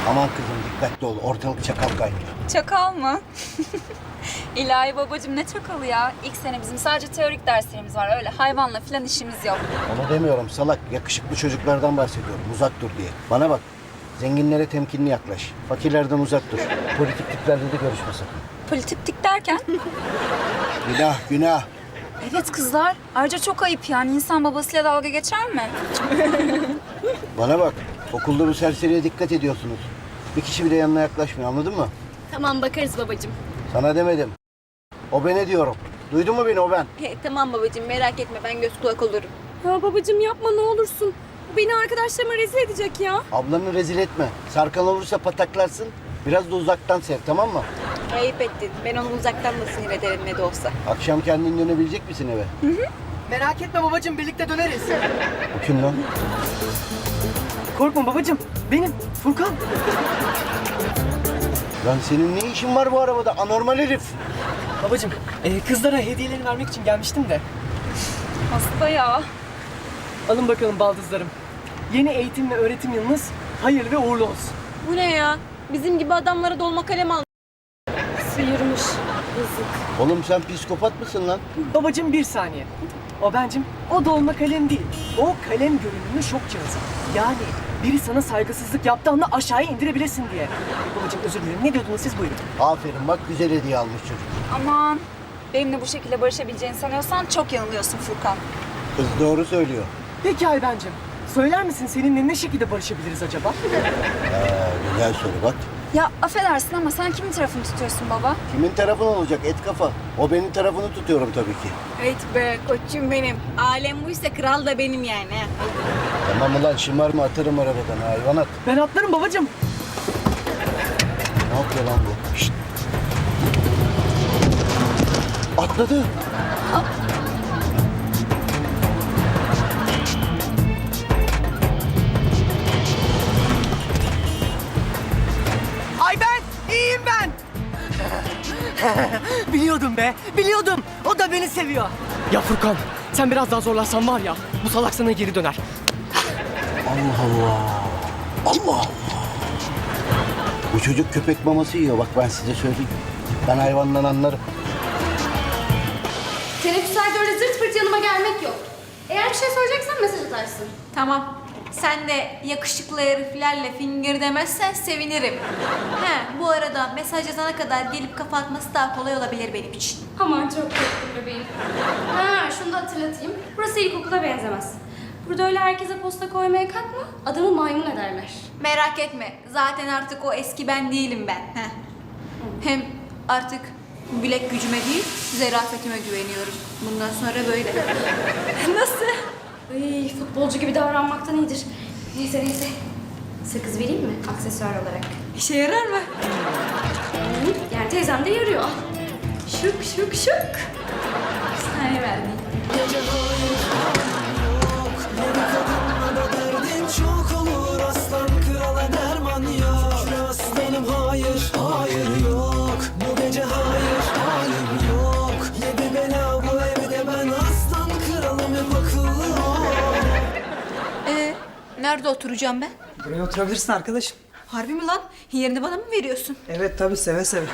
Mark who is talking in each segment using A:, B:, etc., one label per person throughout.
A: Aman kızım dikkatli ol. Ortalık çakal kaynıyor.
B: Çakal mı? İlahi babacığım ne çakalı ya? İlk sene bizim sadece teorik derslerimiz var. Öyle hayvanla falan işimiz yok.
A: Onu demiyorum salak. Yakışıklı çocuklardan bahsediyorum. Uzak dur diye. Bana bak. Zenginlere temkinli yaklaş. Fakirlerden uzak dur. Politik tiplerle de görüşme sakın.
B: Politiktik derken?
A: Günah, günah.
B: Evet kızlar. Ayrıca çok ayıp yani. İnsan babasıyla dalga geçer mi?
A: Bana bak. Okulda bu serseriye dikkat ediyorsunuz. Bir kişi bile yanına yaklaşmıyor, anladın mı?
C: Tamam bakarız babacığım.
A: Sana demedim. O beni diyorum. Duydun mu beni, o ben?
C: Tamam babacığım merak etme ben göz kulak olurum.
D: Ya babacığım yapma ne olursun. Bu beni arkadaşlarıma rezil edecek ya.
A: Ablanı rezil etme. Sarkan olursa pataklarsın. Biraz da uzaktan sev, tamam mı?
C: Ayıp ettin. Ben onu uzaktan da sinir ederim ne de olsa.
A: Akşam kendin dönebilecek misin eve?
E: Merak etme babacığım, birlikte döneriz.
A: Bu kim lan?
E: Korkma babacığım, benim Furkan.
A: Lan senin ne işin var bu arabada? Anormal herif.
E: Babacığım, kızlara hediyelerini vermek için gelmiştim de.
B: Hasta ya.
E: Alın bakalım baldızlarım. Yeni eğitim ve öğretim yılınız hayırlı ve uğurlu olsun.
C: Bu ne ya? Bizim gibi adamlara dolma kalem al.
D: Sıyırmış. Yazık.
A: Oğlum sen psikopat mısın lan?
E: Babacığım bir saniye. O bencim, o dolma kalem değil. O kalem görünümlü şok cihazı. Yani biri sana saygısızlık yaptığı anda aşağıya indirebilirsin diye. Babacığım özür dilerim. Ne diyordunuz siz, buyurun.
A: Aferin bak, güzel hediye almış çocuk.
B: Aman. Benimle bu şekilde barışabileceğini sanıyorsan çok yanılıyorsun Furkan.
A: Kız doğru söylüyor.
E: Peki Aybencim, söyler misin seninle ne şekilde barışabiliriz acaba?
A: Güzel soru bak.
B: Ya affedersin ama sen kimin tarafını tutuyorsun baba?
A: Kimin tarafın olacak et kafa? O benim tarafını tutuyorum tabii ki.
C: Evet be koçum benim. Alem buysa kral da benim yani.
A: Tamam ulan şımarma, atarım arabadan hayvanat.
E: Ben atlarım babacığım.
A: Ne yapıyor lan bu? Şşt. Atladı.
E: Ay ben, iyiyim ben. Biliyordum be, biliyordum. O da beni seviyor. Ya Furkan, sen biraz daha zorlarsan var ya, bu salak sana geri döner.
A: Allah Allah. Allah Allah. Bu çocuk köpek maması yiyor, bak ben size söyleyeyim. Ben hayvandan anlarım.
D: Teneffüslerde öyle zırt pırt yanıma gelmek yok. Eğer bir şey soracaksan mesaj atarsın.
C: Tamam. Sen de yakışıklı heriflerle finger demezsen sevinirim. He, bu arada mesaj yazana kadar gelip kafa atması daha kolay olabilir benim için.
D: Aman çok korktum bebeğim. Ha şunu da hatırlatayım. Burası ilkokula benzemez. Burada öyle herkese posta koymaya kalkma. Adamı maymun ederler.
C: Merak etme. Zaten artık o eski ben değilim ben. Heh. Hem artık bilek gücüme değil, zerafetime güveniyorum. Bundan sonra böyle. Nasıl?
D: Ay, futbolcu gibi davranmaktan iyidir. Neyse. Sakız vereyim mi aksesuar olarak?
C: İşe yarar mı?
D: Yani teyzem de yarıyor. Al. Şık.
C: Bir saniye verdim.
F: Derdin çok olur aslan krala derman yok. Şükür aslanım hayır, hayır yok. Bu gece hayır, halim yok. Yedi bela bu evde ben aslan kralım hep akıllı ol.
C: Nerede oturacağım ben?
G: Buraya oturabilirsin arkadaşım.
C: Harbi mi lan? Yerini bana mı veriyorsun?
G: Evet tabii seve seve.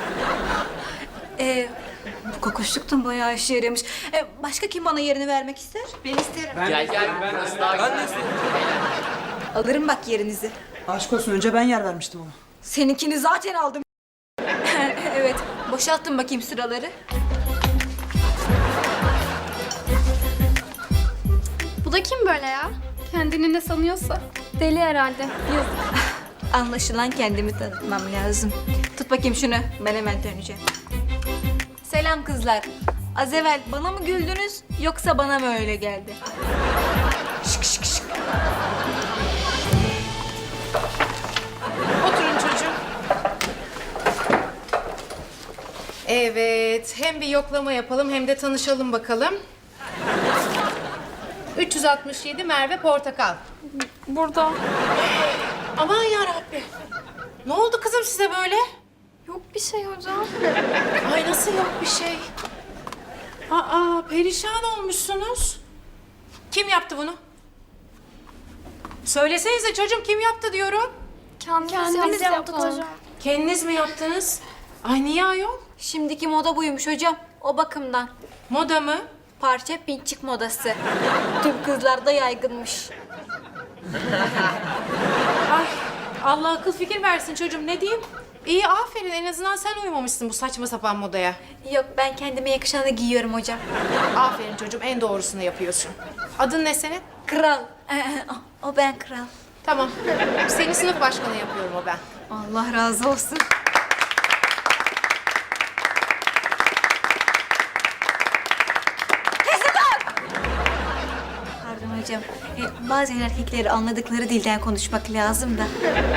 C: Bu kokuşluktan bayağı işe yaramış. Başka kim bana yerini vermek ister? Ben isterim. Alırım bak yerinizi.
G: Aşk olsun önce ben yer vermiştim ona.
C: Seninkini zaten aldım. Evet, boşalttım bakayım sıraları.
D: Bu da kim böyle ya? Kendini ne sanıyorsa. Deli herhalde. Yazık.
C: Anlaşılan kendimi tanıtmam lazım. Tut bakayım şunu, ben hemen döneceğim. Selam kızlar. Az evvel bana mı güldünüz yoksa bana mı öyle geldi? Şık.
H: Oturun çocuğum. Evet, hem bir yoklama yapalım hem de tanışalım bakalım. 367 Merve Portakal.
D: Burada.
H: Aman yarabbi. Ne oldu kızım size böyle?
D: Yok bir şey hocam.
H: Ay nasıl yok bir şey? Aa, perişan olmuşsunuz. Kim yaptı bunu? Söylesenize çocuğum kim yaptı diyorum.
B: Kendimiz yaptık hocam.
H: Kendiniz mi yaptınız? Ay niye ayol?
C: Şimdiki moda buymuş hocam. O bakımdan.
H: Moda mı?
C: Parça pinçik modası. Tüm kızlarda yaygınmış.
H: Ay Allah akıl fikir versin çocuğum, ne diyeyim? İyi, aferin, en azından sen uymamışsın bu saçma sapan modaya.
C: Yok, ben kendime yakışanı giyiyorum hocam.
H: Aferin çocuğum, en doğrusunu yapıyorsun. Adın ne senin?
C: Kral. O ben kral.
H: Tamam. Seni sınıf başkanı yapıyorum o ben.
C: Allah razı olsun. Pardon hocam. Bazen erkekleri anladıkları dilden konuşmak lazım da.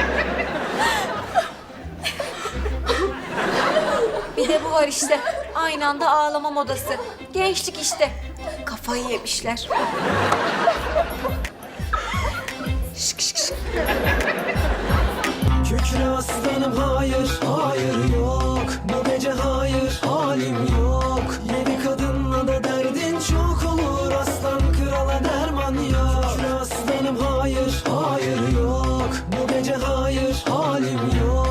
C: Bir de bu var işte. Aynı anda ağlama modası. Gençlik işte. Kafayı yemişler. Şık şık şık.
F: Kükre aslanım hayır, hayır yok. Bu gece hayır, halim yok. Yedi kadınla da derdin çok olur. Aslan krala derman yok. Kükre aslanım hayır, hayır yok. Bu gece hayır, halim yok.